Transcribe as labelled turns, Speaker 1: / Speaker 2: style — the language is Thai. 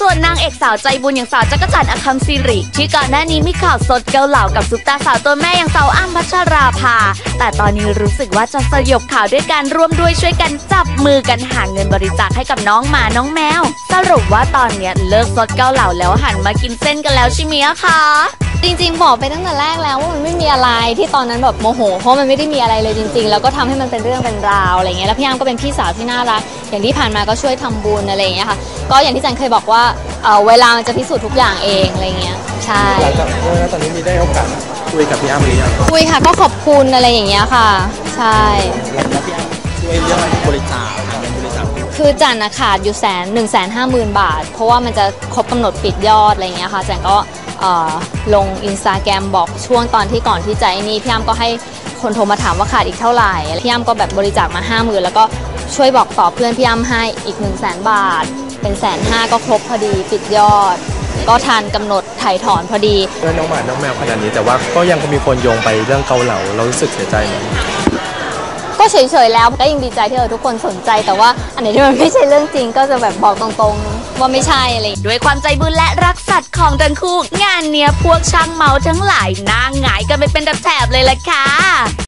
Speaker 1: วนนางเอกสาวใจบุญอย่างสาวจักรจันทร์อคัมศิริที่ก่อนหน้านี้มีข่าวสดเกาเหลากับซุปตาสาวตัวแม่อย่างสาวอ้ำพัชราภาแต่ตอนนี้รู้สึกว่าจะสยบข่าวด้วยการร่วมด้วยช่วยกันจับมือกันหาเงินบริจาคให้กับน้องหมาน้องแมวสรุปว่าตอนนี้เลิกซดเกาเหลาแล้วหันมากินเส้นกันแล้วใช่ไหมคะ
Speaker 2: จริงๆบอกไปตั้งแต่แรกแล้วว่ามันไม่มีอะไรที่ตอนนั้นแบบโมโหเพราะมันไม่ได้มีอะไรเลยจริงๆแล้วก็ทำให้มันเป็นเรื่องเป็นราวอะไรเงี้ยแล้วพี่อ้ำก็เป็นพี่สาวที่น่ารักอย่างที่ผ่านมาก็ช่วยทำบุญอะไรเงี้ยค่ะก็อย่างที่จันเคยบอกว่าเวลามันจะพิสูจน์ทุกอย่างเองอะไรเงี้ยใช่
Speaker 3: แล้วตอนนี้มีได้โอกาสคุยกับพี่อ้ำหรือยัง
Speaker 2: คุยค่ะก็ขอบคุณอะไรอย่างเงี้ยค่ะใช่
Speaker 3: แล้วพี่อ้ำช่วยเรื่องบริจาค
Speaker 2: คือจันขาดอยู่150,000 บาทเพราะว่ามันจะครบกำหนดปิดยอดอะไรเงี้ยค่ะจันก็ลงอินสตาแกรมบอกช่วงตอนที่ก่อนที่จะนี่พี่อ้ำก็ให้คนโทรมาถามว่าขาดอีกเท่าไหร่พี่อ้ำก็แบบบริจาคมา50,000แล้วก็ช่วยบอกต่อเพื่อนพี่อ้ำให้อีก100,000 บาทเป็น150,000ก็ครบพอดีปิดยอดก็ทันกำหนดไถ่ถอนพอดี
Speaker 3: เรื่องน้องหมาน้องแมวขนาดนี้แต่ว่าก็ยังมีคนโยงไปเรื่องเกาเหลาเรารู้สึกเสียใจไหม
Speaker 2: ก็เฉยๆแล้วก็ยังดีใจที่ทุกคนสนใจแต่ว่าอันไหนที่มันไม่ใช่เรื่องจริงก็จะแบบบอกตรงๆว่าไม่ใช่อะไร
Speaker 1: ด้วยความใจบุญและรักสัตว์ของทั้งคู่งานเนี้ยพวกช่างเมาทั้งหลายหน้าหงายกันไปเป็นแถบเลยล่ะค่ะ